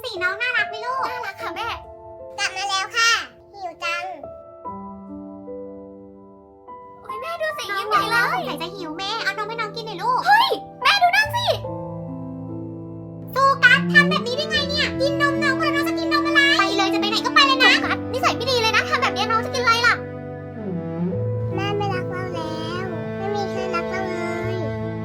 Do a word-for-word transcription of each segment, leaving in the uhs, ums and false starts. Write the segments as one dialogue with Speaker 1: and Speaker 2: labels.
Speaker 1: สิน้องน่ารักไหมลูกน่ารักค่ะแม่กลับมาแล้วค่ะหิวจังโอ้ยแม่ดูสิยิ้มใหญ่เลยสงสัยจะหิวแม่เอานมให้น้องกินหน่อยลูกเฮ้ยแม่ดูนั่นสิโฟกัสทำแบบนี้ได้ไงเนี่ยกินนมน้องแล้วน้องจะกินนมอะไรไปเลยจะไปไหนก็ไปเลยนะโฟกัสนิสัยไม่ดีเลยนะทำแบบนี้น้องจะกินอะไรล่ะแม่ไม่รักเราแล้วไม่มีใครรักเราเลย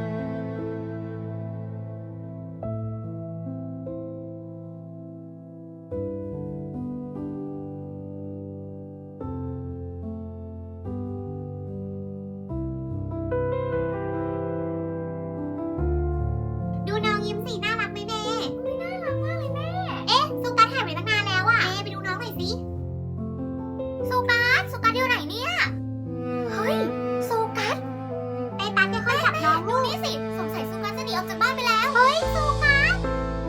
Speaker 1: ดูน้องยิ้มสิน่ารักไหมแม่ไม่น่ารักมากเลยแม่เอ๊ะสุกัสหายไปตั้งนานแล้วอะแม่ไปดูน้องหน่อยสิสุกัสสุกัสอยู่ไหนเนี่ยเฮ้ยสุกัสไอ้ตันค่อยๆจับน้องดูนี่สิสงสัยสุกัสจะหนีออกจากบ้านไปแล้วเฮ้ยสุกัส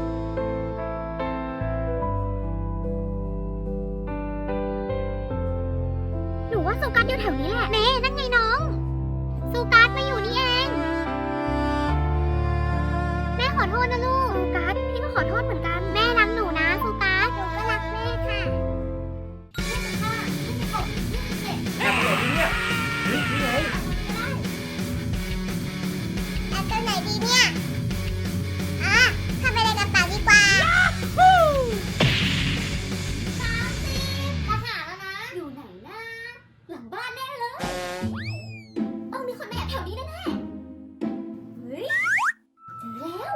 Speaker 1: หนูว่าสุกัสอยู่แถวนี้แหละแม่นั่นไงน้องสุกัสมาอยู่นี่เองแม่ขอโทษนะลูกสุกัสพี่ก็ขอโทษเหมือนกันแม่รักหนูนะสุกัสหนูก็รักแม่ค่ะ
Speaker 2: แอบไปไหนดีเนี่ยนี่นี่ไง
Speaker 1: แอบตัวไหนดีเนี่ยอ่ะทำอะไรกระเป๋าดีกว่าสามสิบมาหาแล้วนะอยู่ไหนนะหลังบ้านแน่เลยต้องมีคนมาแอบแถวนี้แน่ๆเฮ้ยเจอแล้ว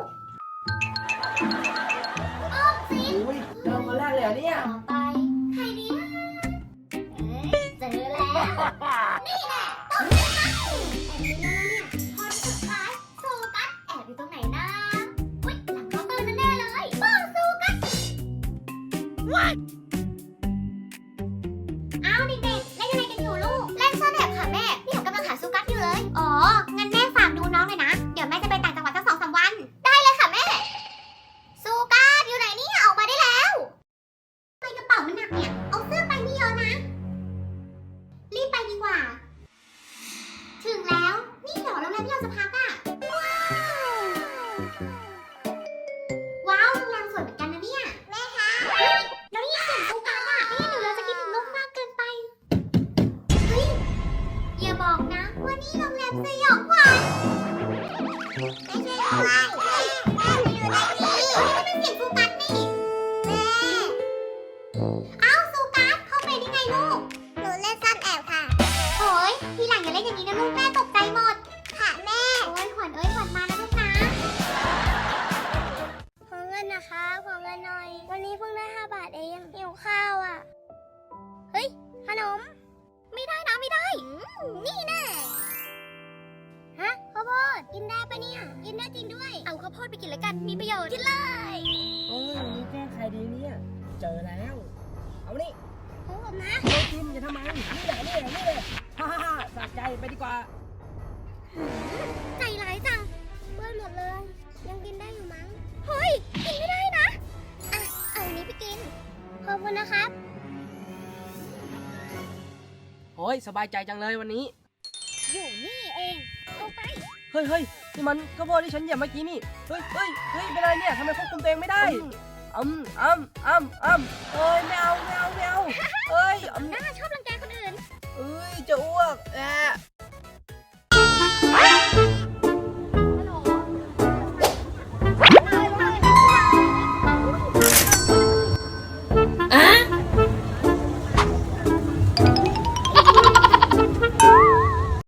Speaker 1: ออมสิน
Speaker 2: อุ้ยเจอคนแรกเลยเหรอเนี่ย
Speaker 1: ต่อไปใครดีนะเอ้ยเจอแล้วนี่แหละต้นไม้แอบอยู่แล้วเนี่ยคนสุดท้ายโซกัสแอบอยู่ตรงไหนนะอุ๊ยหลังเคาน์เตอร์แน่ๆเลยบอกโซกัสเอาเด็กๆเล่นอะไรกันอยู่ลูกเล่นซ่อนแอบค่ะแม่พี่หนูกำลังหาโซกัสอยู่เลยอ๋องั้นแม่ฝากดูน้องเลยนะเดี๋ยวแม่จะไปต่างจังหวัดสักสองสามวันได้เลยค่ะแม่โซกัสอยู่ไหนเนี่ยออกมาได้แล้วทำไมกระเป๋ามันหนักเนี่ยเอาเสื้อไปไม่เยอะนะรีบไปดีกว่าถึงแล้วนี่เหรอโรงแรมที่เราจะพักอ่ะว้าวโรงแรมสวยเหมือนกันนะเนี่ยแม่คะเฮ้ยแล้วนี่เสียงโซกัสอ่ะนี่หนูเราจะคิดถึงโลกมากเกินไปเฮ้ยอย่าบอกนะว่านี่โรงแรมสยองขวัญไม่ใช่ด้วยแม่แม่อยู่ในนี้เฮ้ยนี่มันเสียงโซกัสนี่แม่เอ้าโซกัสเข้าไปได้ไงลูกหนูเล่นซ่อนแอบค่ะโอ้ยทีหลังอย่าเล่นอย่างนี้นะลูกแม่ตกใจหมดค่ะแม่โอ้ยขวัญเอ้ยขวัญมานะลูกนะขอเงินนะคะขอเงินหน่อยวันนี้เพิ่งได้ห้าบาทเองหิวข้าวอ่ะเฮ้ยขนมไม่ได้นะไม่ได้นี่แน่ฮะข้าวโพดกินได้ปะเนี่ยกินได้จริงด้วยเอาข้าวโพดไปกินเลยกันมีประโยชน์กินเลย
Speaker 2: โอ้ยนี่แก้ใครดีเนี่ย เจอแล้ว เอานี่
Speaker 1: ของผมนะ
Speaker 2: ไม่กินจะทำไม นี่แหละนี่แหละนี่เลยฮ่าฮ่าฮ่าสะใจไปดีกว่า
Speaker 1: ใจร้ายจังเปื้อนหมดเลย ยังกินได้อยู่มั้งเฮ้ยกินไม่ได้นะอ่ะเอาอันนี้ไปกินขอบคุณนะครับ
Speaker 2: โอ้ยสบายใจจังเลยวันนี้
Speaker 1: อยู่นี่เองเอาไป
Speaker 2: เฮ้ยเฮ้ยนี่มันข้าวโพดที่ฉันเหยียบเมื่อกี้นี่ เฮ้ยเฮ้ยเฮ้ยเป็นอะไรเนี่ยทำไมควบคุมตัวเองไม่ได้อ้ำอ้ำอ้ำอ้ำเอ้ยไม่เอาไม่เอาไม่เอาเอ้ยอ้ำ
Speaker 1: น่าชอบรังแกคนอื่น
Speaker 2: เอ้ยจะอ้วกแอะ